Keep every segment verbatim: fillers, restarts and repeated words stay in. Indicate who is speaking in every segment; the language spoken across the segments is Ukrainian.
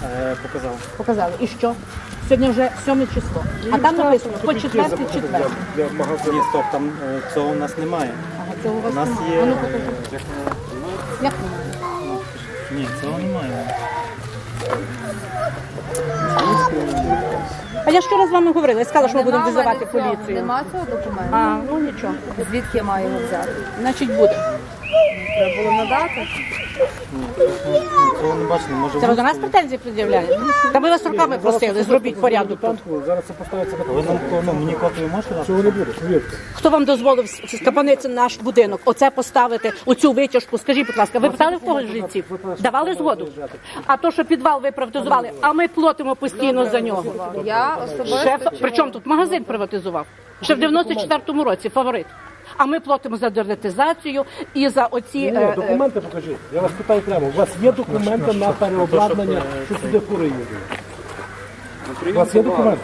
Speaker 1: Е, показав.
Speaker 2: Показали. І що? Сьогодні вже сьоме число. А там написано по четвертий четвер.
Speaker 1: Для магазину. Ні, стоп, там е, цього у нас немає.
Speaker 2: Ага, цього у вас
Speaker 1: У нас
Speaker 2: немає.
Speaker 1: є...
Speaker 2: А ну покажи.
Speaker 1: е,
Speaker 2: Як немає?
Speaker 1: Ні, цього немає.
Speaker 2: А я ж вчора з вами говорила, я сказала, що ми будемо
Speaker 3: Нема
Speaker 2: визивати
Speaker 3: в мене цього-
Speaker 2: поліцію.
Speaker 3: Нема цього документу?
Speaker 2: А, ну нічого.
Speaker 3: Звідки я маю його взяти?
Speaker 2: Значить буде.
Speaker 3: Треба було надати.
Speaker 1: Цього не бачили, може
Speaker 2: Це ви до нас претензії пред'являєте? Та ми вас руками просили, зробіть порядок тут.
Speaker 4: Зараз це поставиться на
Speaker 1: Ви нам ну, мені копію можете дати?
Speaker 4: Цього не буде, повірте.
Speaker 2: Хто вам дозволив скапанити наш будинок? Оце поставити, оцю витяжку? Скажіть, будь ласка, ви питали в когось жильців? Давали згоду? А то, що підвал ви приватизували, а ми платимо постійно за нього.
Speaker 3: Я особисто...
Speaker 2: Шеф,
Speaker 3: чого-
Speaker 2: причому тут магазин приватизував? Ще в дев'яносто четвертому році, фаворит. А ми платимо за дернетизацію і за оці...
Speaker 4: Ні,
Speaker 2: е, е,
Speaker 4: документи покажіть. Я вас питаю прямо. У вас є документи на переобладнання, що сюди фури їдуть? У вас є документи?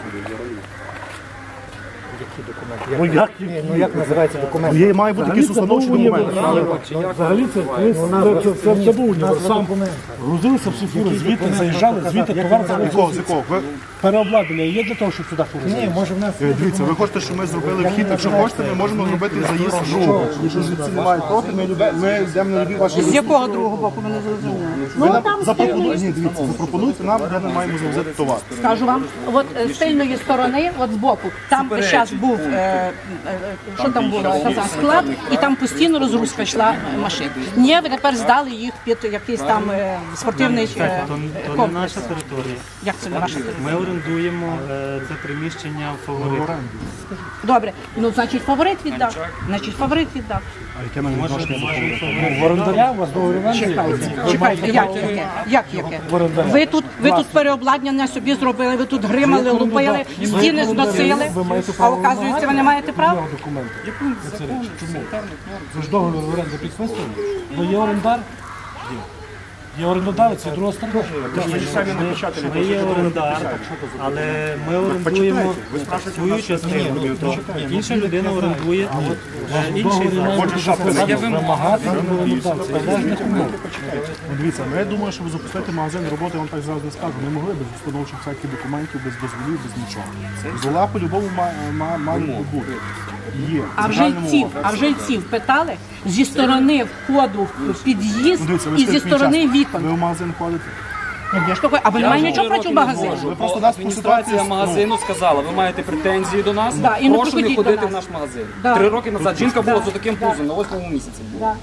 Speaker 4: Ну як, ну, як називається документ?
Speaker 5: Є, має бути якийсь установчий документ.
Speaker 4: Взагалі це колись це, це, це, це був універсам. Грузилися всі фури, звідти заїжджали, звідти товар
Speaker 5: З якого, з якого? Ви,
Speaker 4: переобладнання є для того, щоб сюди фури заїжджали? Ні, може в нас...
Speaker 5: е, дивіться, ви хочете, щоб ми зробили вхід, якщо хочете, ми можемо зробити заїзд з другого. Якщо звідси немає проти, ми, любе- ми йдемо на любі ваші...
Speaker 2: з якого другого боку, ми не зрозуміли.
Speaker 5: Ви нам запропонуєте, ні, дивіться, запропонуєте нам, де ми маємо завозити товар.
Speaker 2: Скажу вам, от е, з тильної сторони, от збоку, там весь час був, е, е, е, що там було, казав, склад, і там постійно розгрузка йшла е, машин. Ні, ви тепер здали їх під якийсь там е, спортивний е,
Speaker 1: То, то не
Speaker 2: комплекс.
Speaker 1: наша територія.
Speaker 2: Як це не ваша територія?
Speaker 1: Ми орендуємо е, це приміщення в фаворит.
Speaker 2: Добре, ну значить фаворит віддав. Значить фаворит віддав.
Speaker 5: А яке нам відношення до фавориту?
Speaker 4: В орендаря у вас договір оренди?
Speaker 2: Чекайте, як яке? Як яке? Ви тут, ви тут переобладнання собі зробили, ви тут гримали, лупили, стіни зносили, а оказується, ви не маєте права?
Speaker 4: Документи. Чому? Ви ж договір оренди підписували? Ви є орендар? Є. Є орендодавець, є друга сторона.
Speaker 1: Ми є орендар, але ми орендуємо свою частину. Інша людина орендує е, інший заклад.
Speaker 4: Я вимагати від орендодавця належних умов.
Speaker 5: Ну, дивіться, ми думаю, щоб запустити магазин роботи, я вам так зразу не скажу, не могли без установчих всяких документів, без дозволів, без нічого. Дозвола по-любому ма- ма- мають бути. Є.
Speaker 2: А в
Speaker 5: загальному
Speaker 2: жильців,
Speaker 5: описі.
Speaker 2: а в жильців питали зі сторони входу в під'їзд
Speaker 5: Ну, дивіться, ви
Speaker 2: і зі
Speaker 5: скажіть мені
Speaker 2: сторони
Speaker 5: чесно,
Speaker 2: вікон.
Speaker 5: Ви в магазин ходите?
Speaker 2: Ну, я ж такой, а ви не маєте нічого проти магазину?
Speaker 5: Ви просто нас по
Speaker 6: Адміністрація
Speaker 5: ситуації...
Speaker 6: магазину сказала, ви маєте претензії до нас,
Speaker 2: Да, і не
Speaker 6: прошу не
Speaker 2: приходіть до
Speaker 6: ходити
Speaker 2: нас.
Speaker 6: в наш магазин.
Speaker 2: Да.
Speaker 6: Три роки назад жінка була з таким пузом, на восьмому місяці була.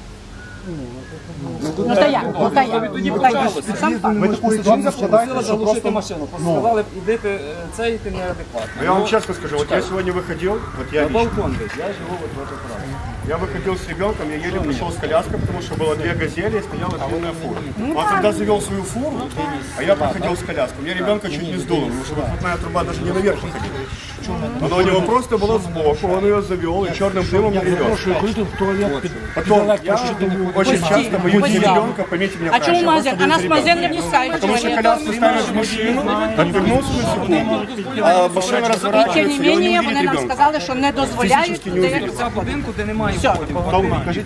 Speaker 2: Ну та як? Ну та як?
Speaker 6: Тоді
Speaker 2: Ну та як?
Speaker 6: почалося.
Speaker 2: Сам факт.
Speaker 5: Ви таку ситуацію складаєте,
Speaker 6: Просила
Speaker 5: що
Speaker 6: заглушити
Speaker 5: просто...
Speaker 6: машину, сказали, ідите е, це, і ти неадекватно.
Speaker 7: Я вам честно скажу, вот я сегодня выходил, вот я
Speaker 6: На
Speaker 7: лично,
Speaker 6: балкон десь, я живу от в этом праві.
Speaker 7: я выходил с ребенком, я еле пришел с коляской, потому что было две газели и стояла длинная фура. Он когда завел свою фуру, а я проходил с коляской, у меня ребенка чуть не сдуло, потому что выхлопная труба даже не наверх выходила. Она у него просто была сбоку, он ее завел и черным дымом привез.
Speaker 4: Що ходити в туалет під, під
Speaker 7: Потом, я
Speaker 4: електрощитову.
Speaker 7: очень часто боюсь
Speaker 2: Постійно.
Speaker 7: ребенка, поймите меня
Speaker 2: А чому
Speaker 7: правильно,
Speaker 2: магазин?
Speaker 7: я
Speaker 2: А нас
Speaker 7: просто
Speaker 2: магазин
Speaker 7: боюсь
Speaker 2: не
Speaker 7: ребенка.
Speaker 2: пускають.
Speaker 7: Потому что коляску ставишь в машину, отвернулся на секунду, а машина
Speaker 2: І тим
Speaker 7: разворачивается,
Speaker 2: не
Speaker 7: и он не
Speaker 2: менее,
Speaker 7: увидит
Speaker 2: вони нам
Speaker 7: ребенка.
Speaker 2: сказали, що не дозволяють.
Speaker 6: Це будинку, де немає
Speaker 2: Все.
Speaker 6: входів.
Speaker 5: Тому, кажіть,